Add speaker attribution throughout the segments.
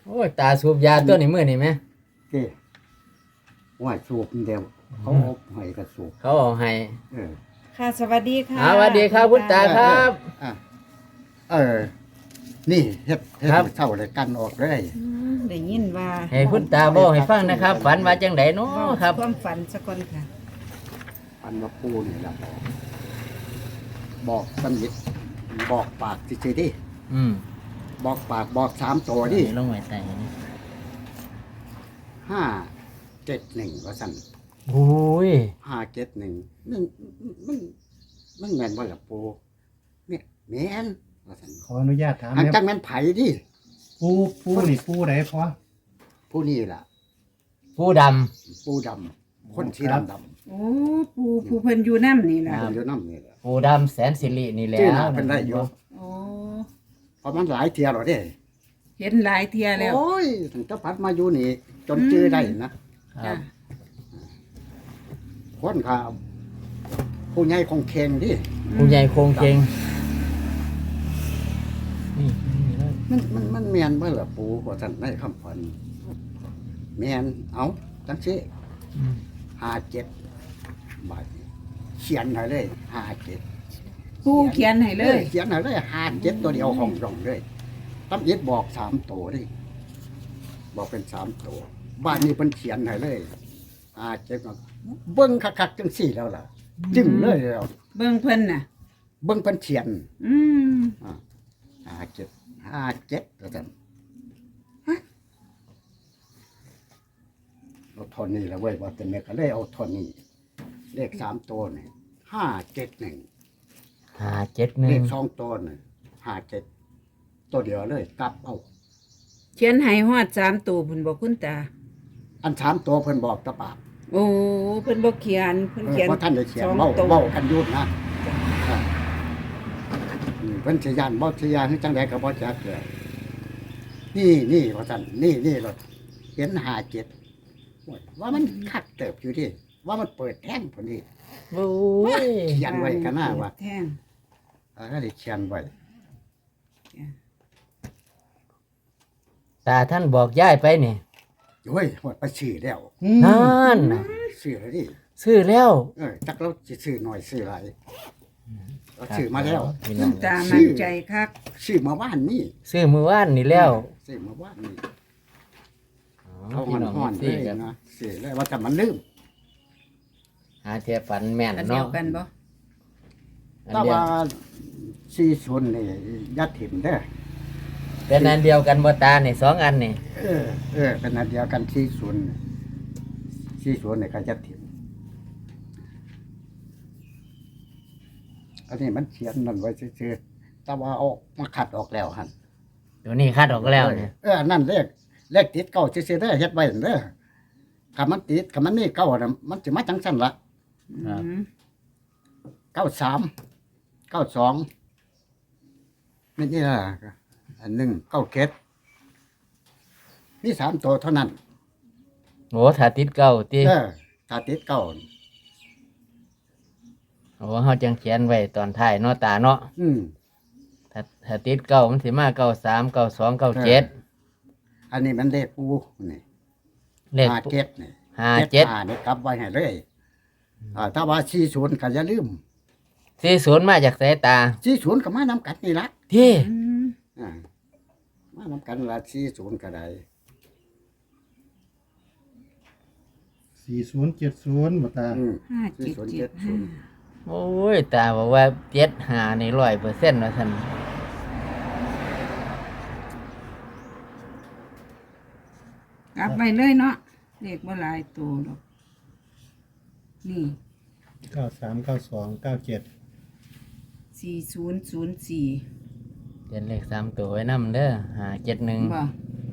Speaker 1: โอ้ยตาสูบยาตัวนี้มื้อนี่แม่
Speaker 2: เจ้ว่าสูบเดียวเขาเอาให้กระสูบ
Speaker 1: เขาเอาให้
Speaker 2: เออ
Speaker 3: ค่ะสวัสดีค่ะ
Speaker 1: สวัสดีครับคุณตาครับ
Speaker 2: อ่ะนี่เฮ็ด
Speaker 1: ครับ
Speaker 2: เศร้าเลยกันออกเลย
Speaker 3: ได้ยินว่า
Speaker 1: ให้คุณตาบอกให้ฟังนะครับ ฝันว่าจังไดเนาะครับ
Speaker 3: ความฝันสักคนค่ะ
Speaker 2: อันว่าปูนี่ล่ะบอกสนิทบอกปากซื่อๆดิ
Speaker 1: อืม
Speaker 2: บอกปากบอก3ตัวดิ
Speaker 1: ลงไว้ใต้นี่
Speaker 2: 571ว่าซั่น
Speaker 1: โอ้ย
Speaker 2: 571มันแม่นบ่ล่ะปูเนี่ยแม่นว่าซั่น
Speaker 4: ขออนุญาตถาม
Speaker 2: อัน
Speaker 4: นะ
Speaker 2: จังแม่นไผดิ
Speaker 4: ปูนี่ปูไหนพอ
Speaker 2: ผู้นี้ล่ะ
Speaker 1: ผู้ดำ
Speaker 2: ปูดำคนสี
Speaker 4: ครับ
Speaker 2: ดำ
Speaker 3: โอ้ผู้เพิ่นอยู่น้ำนี่
Speaker 2: ๆ
Speaker 3: ล่ะ
Speaker 2: อยู่น้ำนี่แหละ
Speaker 1: ผู้ดำแสนสิรินี่แหละ
Speaker 2: ชื่อหน้าเป็นได้อยู่
Speaker 3: โอ้
Speaker 2: เพราะมันหลายเที่ยแล้วเด้
Speaker 3: เห็นหลายเทียแล้ว
Speaker 2: โอ้ยถึงจะพัดมาอยู่นี่ จนชื่อได้นะ
Speaker 1: ครั
Speaker 3: จ้ะ
Speaker 1: บ
Speaker 2: คนข่าวผู้ใหญ่คงเค็งดิ
Speaker 1: ผู้ใหญ่โครงเคงนี่นี่เลย
Speaker 2: มันเมียนเมื่อละปูกว่าท่านได้คำพันเมียนเอาจังซี่
Speaker 1: อืม
Speaker 2: 57บาทเขียนให้เลย57
Speaker 3: ผู้เขียนให้เลย
Speaker 2: เขียนให้เลย57ตัวเดียวห้องรองเลยตั้มยิดบอก3ตัวดิบอกเป็น3ตัวบ้านนี้เพิ่นเขียนให้เลย57ก็เบิ่งคักๆจังซี่แล้วล่ะจึงเลยแล้ว
Speaker 3: เบิ่งเพิ่นน่ะ
Speaker 2: เบิ่งเพิ่นเขียน
Speaker 3: อืม
Speaker 2: 57แล้วกันเอาทอนนี้แล้วเว้ยว่าแต่แม่ก็เลยเอาทอนนี้เลข3ตัวนี่571 เลข
Speaker 1: 571
Speaker 2: 2ตัวนี่57ตัวเดียวเลยกลับเอา
Speaker 3: เขียนให้ฮอด3ตัวเพิ่นบอกคุณตา
Speaker 2: อัน3ตัวเพิ่นบอกตะปาก
Speaker 3: โอ้เพิ่นบ่เขียนเพิ่นเขียน
Speaker 2: เพราะท่านได้เขียน
Speaker 3: สอง
Speaker 2: เว้า
Speaker 3: ตัว
Speaker 2: เว้ากันอยุ่นะเพิ่นสิยานบ่สิยานคือจังไดก็บ่จักเลยนี่ว่าซั่นนี่รถเห็น57ว่ามันคักเติบอยู่ดิว่ามันเปิดแท่งพุ่นดิ
Speaker 1: โอ้ย
Speaker 2: เขียนไว้กันหน้าว่า
Speaker 3: แท่ง
Speaker 2: ก็ได้เขียนไว้
Speaker 1: ตาท่านบอกย้ายไปนี่
Speaker 2: โอ้ยหมดไปซื้อแล้ว
Speaker 1: นั่นน่ะ
Speaker 2: ซื้อแล้วดิ
Speaker 1: ซื้อแล้ว
Speaker 2: จักเราสิซื้อหน่อยซื้อหลายเราซื้อมาแล้ว
Speaker 1: พี่
Speaker 3: คุ
Speaker 1: น้อ
Speaker 3: ณ
Speaker 1: ง
Speaker 3: ตามั่นใจคัก
Speaker 2: ซื้อมาว่านนี่
Speaker 1: ซื้อมือว่านนี่แล้ว
Speaker 2: ซื้อมาว่านนี่
Speaker 1: อ๋อ
Speaker 2: เขา
Speaker 1: พี่น้อง
Speaker 2: ห่อนๆเล
Speaker 1: สิ
Speaker 2: ย
Speaker 1: ครับ
Speaker 2: นะซื้อแล้วว่าแต่มันลืม
Speaker 1: หาเทียฝันแม่น
Speaker 3: อันเดีย
Speaker 1: เนาะ
Speaker 3: วกันบ่
Speaker 1: อัน
Speaker 2: แต่
Speaker 1: เดียว
Speaker 2: ว่า40นี่ยัดถิ่มเด้อ
Speaker 1: เป็นอันเดียวกันบ่ตานี่2อันนี่
Speaker 2: เป็นอันเดียวกัน40นี่ก็ยัดถิ่มอันนี้มันเขียนนั่นไว้ซื่อๆแต่ว่าเอามาขัดออกแล้วหั่น
Speaker 1: ตัวนี้คัดออกแล้วเนี่ย
Speaker 2: อันนั่นเลขติดเก้าซื่อๆเด้อเฮ็ดไว้นั่นเด้อถ้ามันติดถ้ามันนี่เก้าน่ะมันสิมาจังซั่นล่ะ
Speaker 3: อืม
Speaker 2: 93 92นี่ล่ะอันหนึง97มี3ตัวเท่านั้น
Speaker 1: โอ้ถ้าติดเก้าติ
Speaker 2: ถ้าติดเก้า
Speaker 1: โอ้เฮาจังเขียนไว้ตอนท้ายเนาะตาเนาะ
Speaker 2: อืม
Speaker 1: ถ้าติดเก้ามันสิมา93 92 97
Speaker 2: อันนี้มันเลขปูนี่
Speaker 1: เลข
Speaker 2: 57นี่
Speaker 1: 57
Speaker 2: นี่กลับไว้ให้เลยถ้าว่า40ก็อย่าลืม
Speaker 1: 40มาจากสายตา
Speaker 2: 40ก็มานำกันนี่ล่ะ
Speaker 1: ที่
Speaker 3: อืม
Speaker 2: มานำกันละ40ก็ได้
Speaker 4: 4070บ่ตา
Speaker 3: 5775
Speaker 1: โอ้ยตาบอกว่า75นี่100%ว่าซั่น
Speaker 3: กลับไปเลยเนาะเลขบ่หลายตัวดอกนี่
Speaker 4: 939297
Speaker 3: 4004
Speaker 1: เขียนเลข3ตัวไว้นำเด้อ571
Speaker 3: บ่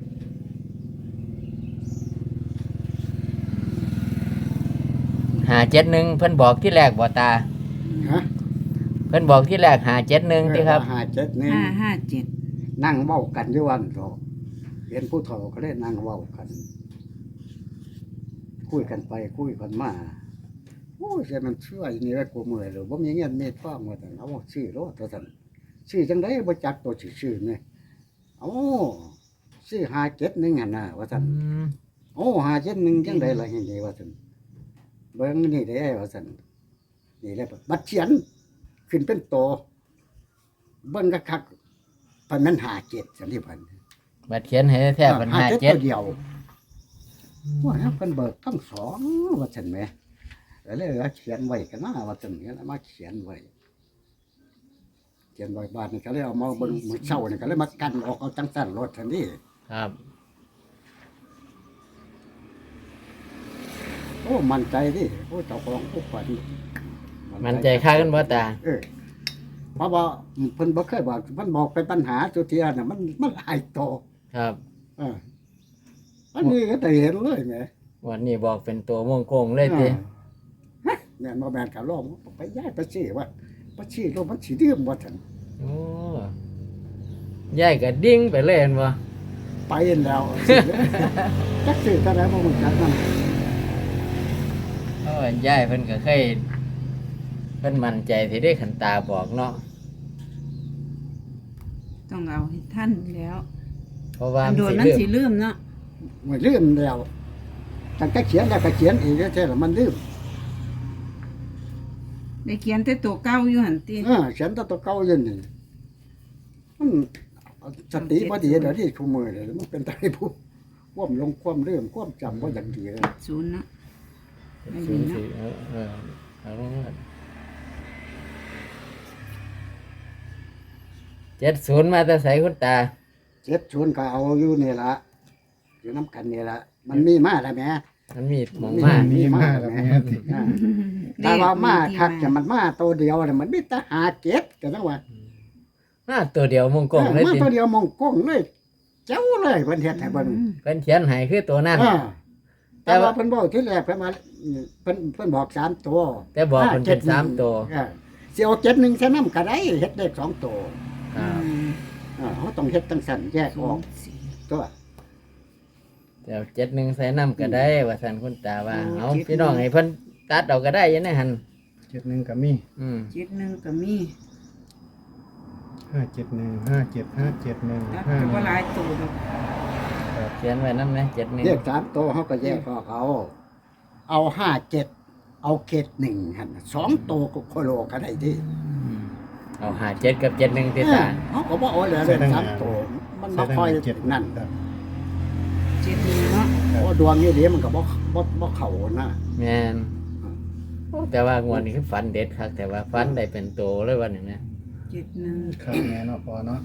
Speaker 1: 571เพิ่นบอกที่แรกบ่ตา
Speaker 2: ฮะ
Speaker 1: เพิ่นบอกที่แรก571ติครับ
Speaker 3: 557
Speaker 2: นั่งเว้ากันอยู่วันเถาะเห็นผู้เฒ่าก็ได้นั่งเว้ากัน คุยกันไปคุยกันมาโอ้ยแต่มันช่วยนี่ไว้กูเมื่อยเลยบ่มีเงินเม็ดฟ้ามาแต่เอาซื้อรถเท่านั้นซื้อจังได๋บ่จักตัวสิซื้อแม่เอ้าซื้อหาเจ็ดหนึ่งหันน่ะว่าซั่น
Speaker 1: อืม
Speaker 2: โอ้หาเจ็ดหนึ่งจังไดล่ะเห็นดีว่าซั่นเบิ่งนี่เด้ว่าซั่นนี่แหละบัดเขียนขึ้นเป็นโตเบิ่งคักๆเพิ่นมันหาเจ็ดซั่นที่เพิ่น
Speaker 1: บัดเขียนให้แท้ๆเป็น
Speaker 2: หาเจ็ด
Speaker 1: 57
Speaker 2: ตัวเดียวว่าแล้วเพิ่นเบิกทั้งสองว่าซั่นแหมก็เลยเอาเขียนไว้กันนะว่าซั่นก็เลยมาเขียนไว้เขียนไว้บ้านนี่ก็เลยเอามาเบิ่งมื้อเช้านี่ก็เลยมากันออกเอาจังซั่นรถซั่นนี่
Speaker 1: ครับ
Speaker 2: โอ้มั่นใจดิโอ้เจ้าของผู้ฝัน
Speaker 1: มันใจค่ากันบ่ตา
Speaker 2: เพราะว่าเพิ่นบ่เคยบอกเพิ่นบอกเป็นปัญหาสุเทียน่ะมันหลายโต
Speaker 1: ครับ
Speaker 2: เอออันนี้ก็ได้เห็นเลยแหม
Speaker 1: วันนี้บอกเป็นตัวม่วงโกงเลยติ
Speaker 2: ฮะแม่นบ่แม่นก็ร้องไปย้ายไปสิว่าไปสิโลมันสิดื่มบ่ทัน
Speaker 1: โอ้ยายก็ดิ่งไปเลยเห็นบ่
Speaker 2: ไปแล้วจักสิเท่าไหร่บ่รู้จักนำ
Speaker 1: เพราะว่ายายเพิ่นก็เคยเพิ่นมั่นใจที่ได้ขันตาบอกเนาะ
Speaker 3: ต้องเอาให้ท่านแล้ว
Speaker 1: เพราะว่า
Speaker 3: โดน
Speaker 1: มั
Speaker 3: มัน น
Speaker 1: สิ
Speaker 3: สิ
Speaker 1: ลืม
Speaker 3: ลืมเนาะ
Speaker 2: ไม่ลืมแล้วตั้งแต่เขียนแล้วก็เขียนอีกแท้ๆแล้วมันลืม
Speaker 3: ได้เขียนแต่ตัวเก่าอยู่หั่นติ
Speaker 2: เขียนแตตัวเก่าอยู่นี่มันสติบ่ดีเดี๋ยวนี้คุมือเลยมันเป็นไตผู้ความลงความลืมความจำบ่อย่างดีเลย
Speaker 3: ศูนย์เนาะ ไม่มี
Speaker 1: ศูนย์
Speaker 3: เนาะ
Speaker 1: สี่เอาลงมา70มาแต่ไสคุณตา
Speaker 2: 70ก็เอาอยู่นี่ละอยู่น้ำกันนี่ละมันมีมาแล้วแหม่
Speaker 1: มันมีหมองมา
Speaker 4: มีมากแล้วแม่ติ
Speaker 2: อ่าแต่ว่ามาคักจะมันมาตัวเดียวน่ะมันมีแต่หาเก็บกันจังว่า
Speaker 1: มาตัวเดียวม่วงโกงเลย
Speaker 2: มา
Speaker 1: ติ
Speaker 2: ตัวเดียวมองกล้องเลยเจ้าเลยเพิ่นเฮ็ดให้เบิ่ง
Speaker 1: เพิ่นเขียนให้คือตัวนั้น
Speaker 2: อ่า
Speaker 1: แต่
Speaker 2: แต่
Speaker 1: ว่า
Speaker 2: ว่าเพิ่นบอกที่แรกเพิ่นมาเพิ่นบอก3ตัว
Speaker 1: แต่บอกเพิ่นเป็น3ตัว
Speaker 2: สิเอา71ซะนำก็ได้เฮ็ดได้2ตัว
Speaker 1: ครับ
Speaker 2: เฮาต้องเฮ็ดจังซั่นแยกออกตัว
Speaker 1: เดี๋ยว71ใส่น้ำก็ได้ว่าซั่นคุณตาว่าเอาพี่น้องให้เพิ่นตัดเอาก็ได้อยังไงหั่น
Speaker 4: 71ก็มี
Speaker 1: อืม
Speaker 3: 71ก็มี
Speaker 4: 571 57 571
Speaker 3: ตัดก็บ่หลายตัวดอก
Speaker 1: เขียนไว้นำนะ
Speaker 2: เรียก3ตัวเฮาก็แยกออกเอา57เอาเกต1หั่น2ตัวก็โคโลก็ได้ดิ
Speaker 1: เอา57กับ71ติตา
Speaker 2: เขาก็บอกว่าเหลือเลยสามตัวมันบ่ค่อยนั่น
Speaker 4: ครับ
Speaker 3: 71เนาะ
Speaker 2: เพราะดวงนี่เดี๋ยวมันก็บ่เข้านะ
Speaker 1: แม่นโอ้แต่ว่างวดนี้คือฝันเด็ดคักแต่ว่าฝันได้เป็นโตเลยวันนี้นะ
Speaker 3: 71
Speaker 4: ครับแม่เนาะพอเนาะ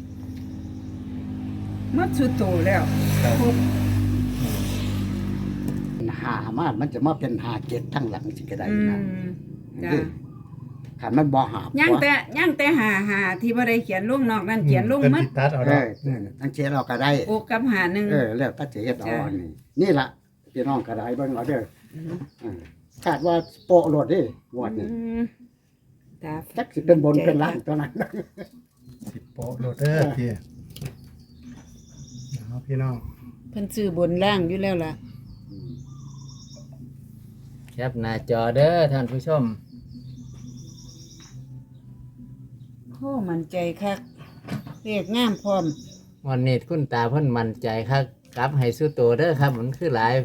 Speaker 3: หมดสุดโตแล้ว
Speaker 4: ครับ
Speaker 3: ครบ
Speaker 2: หามามันจะมาเป็นหาเจ็ดทั้งหลังสิก็ได้
Speaker 3: อื
Speaker 2: นะ
Speaker 3: มจ้ะ
Speaker 2: คันมันบ่หา
Speaker 3: ยังแต่หาที่บ่ได้เขียนลงนอกนั้นเขียนลง
Speaker 4: เพิ่น
Speaker 3: หมัด
Speaker 4: สิตัดเอา
Speaker 2: เอ
Speaker 4: ดอก
Speaker 2: ทั้งเชียร์เราก็ได้
Speaker 3: โอกับหาหนึ่ง
Speaker 2: แล้วถ้าสิเฮ็ดเอาอันนี้นี่ล่ะพี่น้องก็ได้เบิ่งเอาเด้อคาดว่าโปะโลดดิงวดนี้
Speaker 3: มตา
Speaker 2: จักสิเป็นบนเป็นล่างตัวนั้น
Speaker 4: สิโปะโลดเด้อพี่เอาพี่น้อง
Speaker 3: เพิ่นซื้อบนล่างอยู่แล้วล่ะ
Speaker 1: แคปหน้าจอเด้อท่านผู้ชม
Speaker 3: โอ้มั่นใจคักเรียกงามพร้อม
Speaker 1: วันนี้คุณตาเพิ่นมั่นใจครับกลับให้สู้โตเด้อครับมันคือหลาย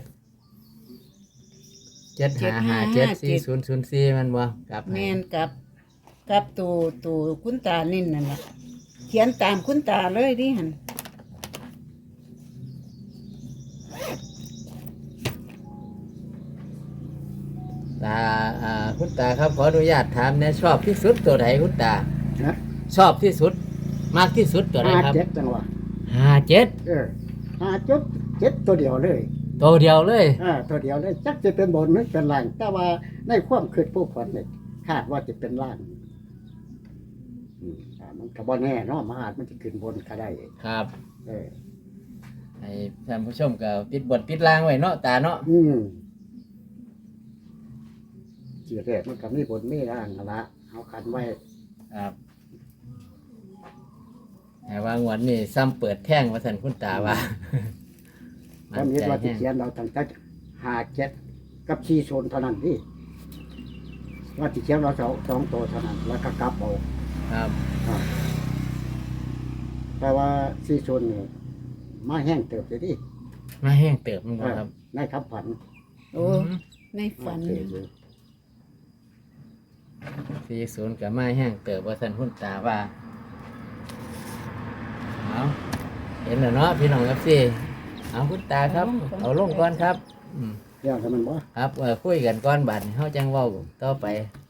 Speaker 1: 75574004มันบ่กลับให้
Speaker 3: แม่นกับตัวคุณตานิ่นนั่นล่ะเขียนตามคุณตาเลยดิหั่น
Speaker 1: ตาคุณตาครับขออนุญาตถามแหนะชอบที่สุดตัวไหนคุณตา
Speaker 2: นะ
Speaker 1: ชอบที่สุด มากที่สุดตัวไหน
Speaker 2: หา
Speaker 1: ครับ
Speaker 2: เจ็ดจังหวะ
Speaker 1: 57
Speaker 2: หาจุดเจ็ดตัวเดียวเลย
Speaker 1: ตัวเดียวเลย
Speaker 2: ตัวเดียวเลยจักจะเป็นบนหรือเป็นล่าง แต่ว่าในความคิดผู้คนเนี่ยคาดว่าจะเป็นล่างมันก็บ่แน่เนาะมันอาจมันจะขึ้นบนก็ได้
Speaker 1: ครับ
Speaker 2: เออ
Speaker 1: ให้ท่านผู้ชมก็ติดบทติดรางไว้เนาะตาเนาะ
Speaker 2: จีแรกมันก็มีบนมีล่างนั่นละเอาคันไว้
Speaker 1: ครับแต่ว่างวดนี้ซ้ำเปิดแท่งว่าสันคุณตาว่า
Speaker 2: ตอนนี้ว่าจะ
Speaker 1: แห้ง
Speaker 2: เขียนเราตั้งแต่หาเจ็ดกับชีโซนเท่านั้นนี่ว่าจะเขียนเราสองตัวเท่านั้นแล้วก็กลับเอา
Speaker 1: ครับ
Speaker 2: แต่ว่าชีโซนนี่มาแห้งเติบเลยดิ
Speaker 1: มาแห้งเติบมันบ่ครับ
Speaker 2: ในคำฝัน
Speaker 3: โอ้ในฝัน
Speaker 2: มาเติบเลย
Speaker 1: 40ก็มาแห้งเติบว่าซั่นคุณตาว่าเอาเห็นแล้วเนาะพี่น้องครับสิเอาคุณตาครับ เอาลงก่อนครับ
Speaker 2: เรื่องทำมันบ่
Speaker 1: ครับคุยกันก่อนบัดนี้เฮาจังเว้าต่อไป